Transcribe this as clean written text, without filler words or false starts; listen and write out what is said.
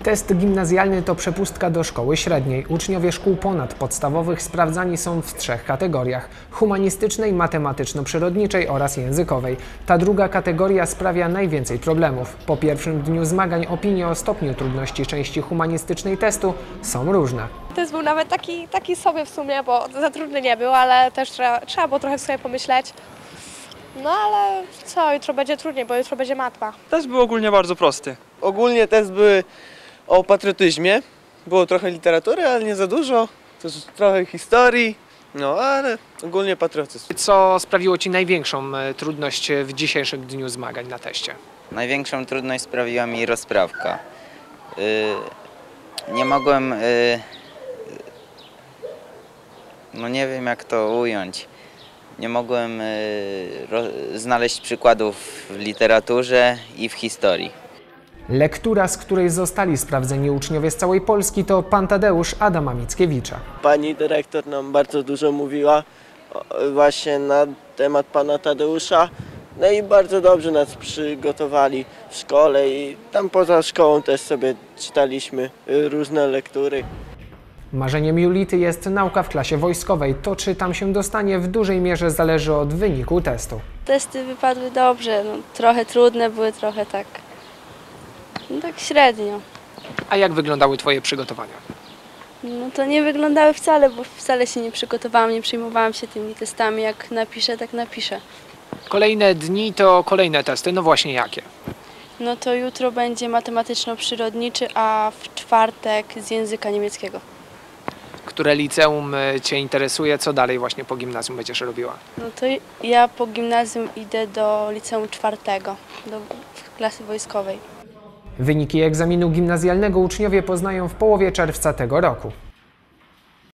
Test gimnazjalny to przepustka do szkoły średniej. Uczniowie szkół ponadpodstawowych sprawdzani są w 3 kategoriach: humanistycznej, matematyczno-przyrodniczej oraz językowej. Ta druga kategoria sprawia najwięcej problemów. Po pierwszym dniu zmagań opinie o stopniu trudności części humanistycznej testu są różne. Test był nawet taki sobie w sumie, bo za trudny nie był, ale też trzeba było trochę sobie pomyśleć. No ale co, jutro będzie trudniej, bo jutro będzie matma. Test był ogólnie bardzo prosty. Ogólnie test były o patriotyzmie. Było trochę literatury, ale nie za dużo. Też trochę historii, no ale ogólnie patriotyzm. Co sprawiło Ci największą trudność w dzisiejszym dniu zmagań na teście? Największą trudność sprawiła mi rozprawka. Nie mogłem, no nie wiem jak to ująć, nie mogłem znaleźć przykładów w literaturze i w historii. Lektura, z której zostali sprawdzeni uczniowie z całej Polski, to Pan Tadeusz Adama Mickiewicza. Pani dyrektor nam bardzo dużo mówiła właśnie na temat pana Tadeusza. No i bardzo dobrze nas przygotowali w szkole i tam poza szkołą też sobie czytaliśmy różne lektury. Marzeniem Julity jest nauka w klasie wojskowej. To, czy tam się dostanie, w dużej mierze zależy od wyniku testu. Testy wypadły dobrze, no, trochę trudne były, trochę tak średnio. A jak wyglądały Twoje przygotowania? No to nie wyglądały wcale, bo wcale się nie przygotowałam, nie przejmowałam się tymi testami, jak napiszę, tak napiszę. Kolejne dni to kolejne testy, no właśnie jakie? No to jutro będzie matematyczno-przyrodniczy, a w czwartek z języka niemieckiego. Które liceum Cię interesuje? Co dalej właśnie po gimnazjum będziesz robiła? No to ja po gimnazjum idę do liceum czwartego, do klasy wojskowej. Wyniki egzaminu gimnazjalnego uczniowie poznają w połowie czerwca tego roku.